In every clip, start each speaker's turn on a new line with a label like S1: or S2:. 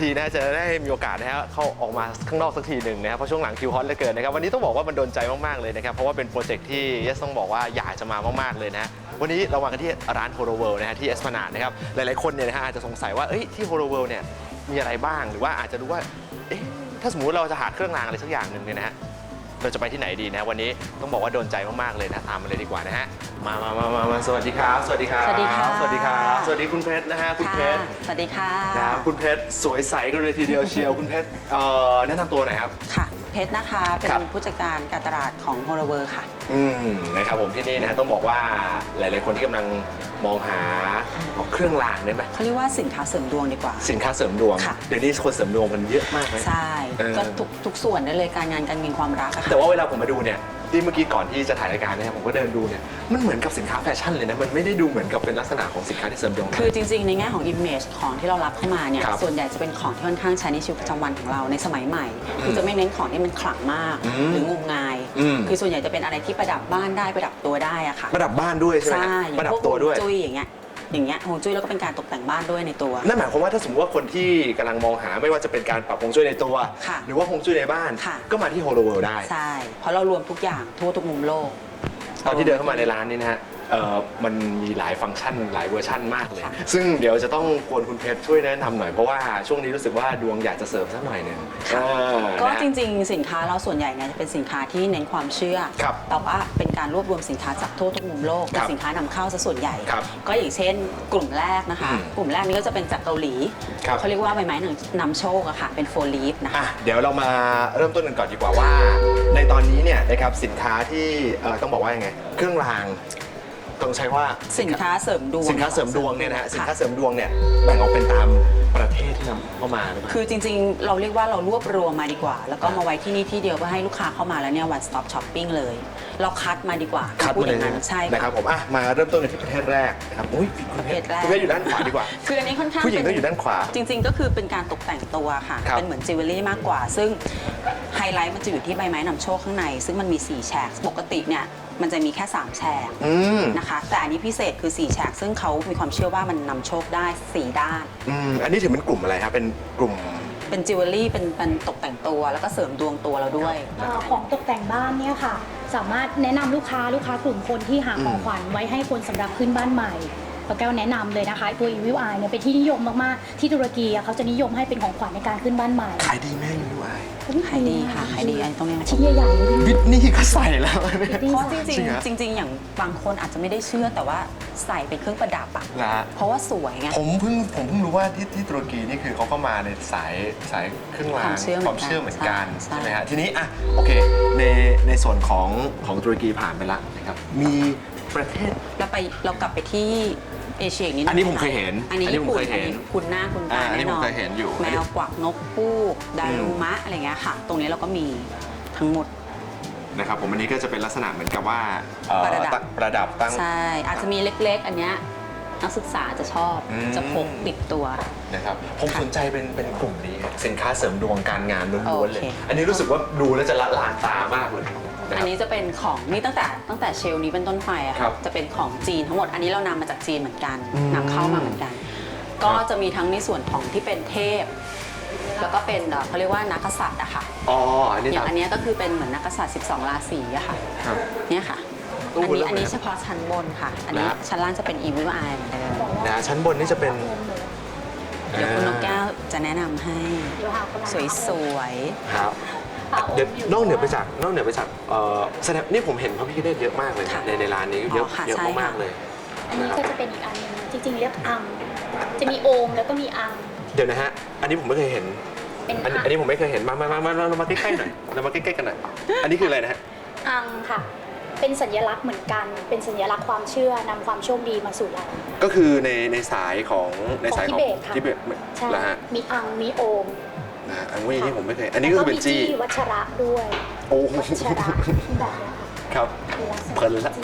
S1: ทีนะจะได้มีโอกาสนะฮะเข้าออกมาข้างนอกสักทีหนึ่งนะครับเพราะช่วงหลังคิวฮอตเหลือเกินนะครับวันนี้ต้องบอกว่ามันโดนใจมากๆเลยนะครับเพราะว่าเป็นโปรเจกต์ที่เยสต้องบอกว่าอยากจะมามากๆเลยนะวันนี้เรามากันที่ร้าน Holo World นะฮะที่เอสพลานาดนะครับหลายๆคนเนี่ยนะฮะอาจจะสงสัยว่าที่ Holo World เนี่ยมีอะไรบ้างหรือว่าอาจจะดูว่าถ้าสมมุติเราจะหาเครื่องรางอะไรสักอย่างหนึ่งเนี่ยนะฮะเราจะไปที่ไหนดีนะวันนี้ต้องบอกว่าโดนใจมากๆเลยนะตามมาเลยดีกว่านะฮะมาสวัสดีครับสวัสดีครับ
S2: สวัสดีค่ะ
S1: สวัสดีครับสวัสดีคุณเพชรนะฮะคุณเพชร
S2: สวัสดีค่ะ
S1: นะครับคุณเพชรสวยใสกันเลยทีเดียวเชียวคุณเพชรแนะนำตัวหน่อยครับ
S2: ค่ะเพชรนะคะเป็นผู้จัดการการตลาดของ Holo World ค่ะ
S1: นะครับผมที่นี่นะฮะต้องบอกว่าหลายๆคนที่กำลังมองหาเครื่องรางได้ไหม
S2: เขาเรียกว่าสินค้าเสริมดวงดีกว่า
S1: สินค้าเสริมดวงเดี๋ยวนี้คนเสริมดวงมันเยอะมากเลย
S2: ใช่ก็ทุกส่วนได้เลยการงานการเงินความรักอะค่ะ
S1: แต่ว่าเวลาผมมาดูเนี่ยที่เมื่อกี้ก่อนที่จะถ่ายรายการเนี่ยผมก็เดินดูเนี่ยมันเหมือนกับสินค้าแฟชั่นเลยนะมันไม่ได้ดูเหมือนกับเป็นลักษณะของสินค้าที่เสริมดวง
S2: คือจริงๆในแง่ของ image ของที่เรารับเข้ามาเนี่ยส่วนใหญ่จะเป็นของที่ค่อนข้างใช้ในชีวิตประจำวันของเราในสมัยใหม่คือจะไม่เน้นของที่มันขลังมากหรืองมงายคือส่วนใหญ่จะเป็นอะไรที่ประดับบ้านได้ประดับตัวได้อะค่ะ
S1: ประดับบ้านด้วยใช่ไหมประดับตัวด้วย
S2: จุ้ยอย่างเงี้ยฮวงจุ้ยแล้วก็เป็นการตกแต่งบ้านด้วยในตัว
S1: นั่นหมายความว่าถ้าสมมติว่าคนที่กำลังมองหาไม่ว่าจะเป็นการปรับฮวงจุ้ยในตัวหรือว่าฮวงจุ้ยในบ้านก็มาที่ Holo World ได้
S2: ใช่เพราะเรารวมทุกอย่างทั่วทุกมุมโลก
S1: ตอนที่เดินเข้ามาในร้านนี้นะฮะมันมีหลายฟังก์ชันหลายเวอร์ชันมากเลยซึ่งเดี๋ยวจะต้องควรคุณเพชรช่วยแนะนำหน่อยเพราะว่าช่วงนี้รู้สึกว่าดวงอยากจะเสริมสักหน่อยหนึ่ง
S2: ก็จริงๆสินค้าเราส่วนใหญ่เนี่ยจะเป็นสินค้าที่เน้นความเชื่อแต่ว่าเป็นการรวบรวมสินค้าจากทั่วทุกมุมโลกเป็นสินค้านำเข้าซะส่วนใหญ่ก็อย่างเช่นกลุ่มแรกนะคะกลุ่มแรกนี้ก็จะเป็นจากเกาหลีเขาเรียกว่าใบไม้นำโชคอะค่ะเป็นโฟลีฟนะคะ
S1: เดี๋ยวเรามาเริ่มต้นกันก่อนดีกว่าว่าในตอนนี้เนี่ยนะครับสินค้าที่ต้องบอกว่ายังไงเครื่องรางต้องใช้ว่า
S2: สินค้าเสริมดวง
S1: สินค้าเสริมดวงเนี่ยนะฮะสินค้าเสริมดวงเนี่ยแบ่งออกเป็นตามประเทศที่นำเข้ามาหรือเปล่า
S2: คือจริงๆเราเรียกว่าเรารวบรวมมาดีกว่าแล้วก็มาไว้ที่นี่ที่เดียวเพื่อให้ลูกค้าเข้ามาแล้วเนี่ย one stop shopping เลยเราคัดมาดีกว่า
S1: คัดมาเลย
S2: ใช่
S1: นะครับผมมาเริ่มต้นกันที่ประเทศแรกนะครับ
S2: ประเทศแรก
S1: คุณเพชรอยู่ด้านขวาดีกว่า
S2: คืออันนี้ค่อนข้าง
S1: ผู้หญิงต้องอยู่ด้านขวา
S2: จริงๆก็คือเป็นการตกแต่งตัวค่ะเป็นเหมือนจิวเวลรี่มากกว่าซึ่งไฮไลท์มันจะอยู่ที่ใบไม้นำโชคข้างในซึ่งมันมี4แฉกปกติเนี่ยมันจะมีแค่3แฉกนะคะแต่อันนี้พิเศษคือ4แฉกซึ่งเขามีความเชื่อว่ามันนำโชคได้4ด้าน
S1: อันนี้ถือเป็นกลุ่มอะไรครับเป็นกลุ่ม
S2: เป็นจิวเวลรี่เป็นตกแต่งตัวแล้วก็เสริมดวงตัวเราด้วย
S3: ของตกแต่งบ้านเนี่ยค่ะสามารถแนะนำลูกค้ากลุ่มคนที่หาของขวัญไว้ให้คนสำหรับขึ้นบ้านใหม่แก้วแนะนำเลยนะคะตัว Evil Eye เนี่ยเป็นที่นิยมมากๆที่ตุรกีเขาจะนิยมให้เป็นของขวัญในการขึ้นบ้านใหม่
S1: ขายดีแม่ Evil Eye
S2: ขายดีค่ะขายดีตรงนี้
S3: ชิ้นใหญ่ๆ
S1: วิทนี่ก็ใส่แล้ว
S2: เพราะจริงอย่างบางคนอาจจะไม่ได้เชื่อแต่ว่าใส่เป็นเครื่องประดับอะเพราะว่าสวยไง
S1: ผมเพิ่งรู้ว่าที่ตุรกีนี่คือเขาก็มาในสายเครื่องรางความเชื่อเหมือนกันใช่ไหมฮะทีนี้โอเคในส่วนของตุรกีผ่านไปแล้วนะครับมีประเทศ
S2: เรากลับไปที่เอเชียนิดนึง
S1: อันนี้ผมเคยเห็น
S2: อันนี้ญี่ปุ่นคุณหน้าคุณตาแน่นอนแมวกวักนกปูกดารุมะอะไรเงี้ยค่ะตรงนี้เราก็มีทั้งหมด
S1: นะครับผมอันนี้ก็จะเป็นลักษณะเหมือนกับว่าประดับตั้ง
S2: ใช่อาจจะมีเล็กๆอันเนี้ยนักศึกษาจะชอบจะพกติดตัว
S1: นะครับผมสนใจเป็นกลุ่มนี้สินค้าเสริมดวงการงานล้วนๆเลยอันนี้รู้สึกว่าดูแล้วจะละลานตามากเลย
S2: อันนี้จะเป็นของนี่ตั้งแต่เชลนี้เป็นต้นไปอะค่ะจะเป็นของจีนทั้งหมดอันนี้เรานำมาจากจีนเหมือนกันนำเข้ามาเหมือนกันก็จะมีทั้งในส่วนของที่เป็นเทพแล้วก็เป็นเขาเรียกว่านักกษัตริย์อะค่ะอย่างอันนี้ก็คือเป็นเหมือนนักกษัตริย์12ราศีอะค่ะเนี่ยค่ะอันนี้เฉพาะชั้นบนค่ะอันนี้ชั้นล่างจะเป็น Evil Eye เหมือนเดิม
S1: นะชั้นบนนี่จะเป็น
S2: เดี๋ยวคุณนกแก้วจะแนะนำให้สวย
S1: ๆครับเดี๋ยวนอกเหนือไปจากแสดงนี่ผมเห็นพระพิฆเนศเยอะมากเลยในร้านนี้เยอะมากเลย
S3: อันนี้ก็จะเป็นอีกอันนึงจริงๆเรียกอังจะมีโอมแล้วก็มีอัง
S1: เดี๋ยวนะฮะอันนี้ผมไม่เคยเห็นอันนี้ผมไม่เคยเห็นมาเรามาใกล้ๆหน่อยเรามาใกล้ๆกันหน่อยอันนี้คืออะไรนะฮะ
S3: อังค่ะเป็นสัญลักษณ์เหมือนกันเป็นสัญลักษณ์ความเชื่อนำความโชคดีมาสู่เรา
S1: ก็คือในสายของ
S3: ทิเบต
S1: แล้วฮะ
S3: มีอังมีโอม
S1: อังนี่ผมไม่เคยอันนี้ก็คือเป็นจี้
S3: วัชระด้วย
S1: โอ้
S3: วัชระแบบนี้
S1: ครับเพลินละ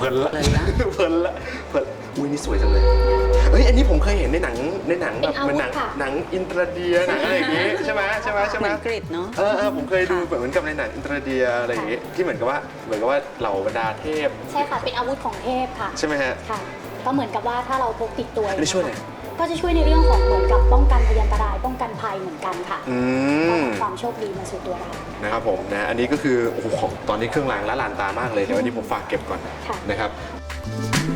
S1: อุ้ยนี่สวยจังเลยอันนี้ผมเคยเห็นในหนังแบบเหมือนหนังอินเตอร์เดียหนังอะไรอย่างงี้ใช่ไหม
S2: เหมือนกรีฑเนาะ
S1: ผมเคยดูเหมือนกับในหนังอินเตอร์เดียอะไรอย่างงี้ที่เหมือนกับว่าเหล่าบรรดาเทพ
S3: ใช่ค่ะเป็นอาวุธของเทพค่ะ
S1: ใช่ไหมฮะ
S3: ค่ะก็เหมือนกับว่าถ้าเราพกติดตัว
S1: อันนี้ช่วยหน่อย
S3: ก็จะช่วยในเรื่องของเหมือนกับป้องกันพยันตรายป้องกันภัยเหมือนกันค่ะความโชคดีมาสู่ตัวเรา
S1: นะครับผมนะอันนี้ก็คือโอ้โหตอนนี้เครื่องรางละลานตามากเลยเดี๋ยววันนี้ผมฝากเก็บก่อนนะครับ